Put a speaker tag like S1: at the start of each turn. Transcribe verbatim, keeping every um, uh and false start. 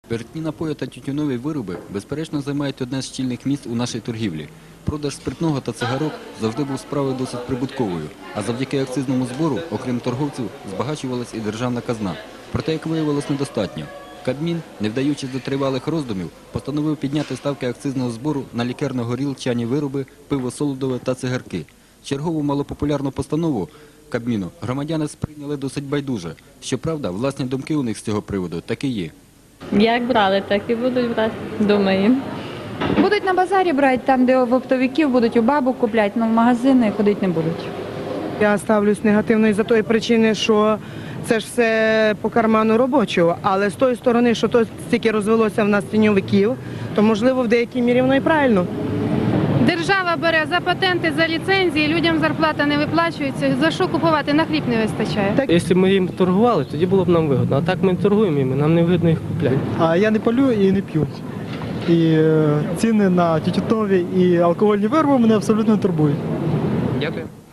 S1: Спиртні напої та тютюнові вироби, безперечно, займають одне з чільних місць у нашій торгівлі. Продаж спиртного та цигарок завжди був справою досить прибутковою, а завдяки акцизному збору, окрім торговців, збагачувалась і державна казна. Проте, як виявилось, недостатньо. Кабмін, не вдаючись до тривалих роздумів, постановив підняти ставки акцизного збору на лікерно-горілчані вироби, пиво солодове та цигарки. Чергову малопопулярну постанову Кабміну громадяни сприйняли досить байдуже. Щоправда, власні думки у них з цього приводу таки є.
S2: Як брали, так і будуть брати, думаю.
S3: Будуть на базарі брати, там, де в оптовиків будуть у бабок купляти, але в магазини ходити не будуть.
S4: Я ставлюсь негативно із-за тої причини, що це ж все по карману робочого, але з тої сторони, що то стільки розвелося в нас тіньовиків, то можливо в деякій мірі воно і правильно.
S5: Держава бере за патенти, за ліцензії, людям зарплата не виплачується, за що купувати, на хліб не вистачає.
S6: Якщо б ми їм торгували, тоді було б нам вигодно. А так ми торгуємо їм, нам не вигідно їх купляти.
S7: А я не палю і не п'ю. І е, ціни на тютюнові і алкогольні вироби мене абсолютно турбують.
S1: Дякую.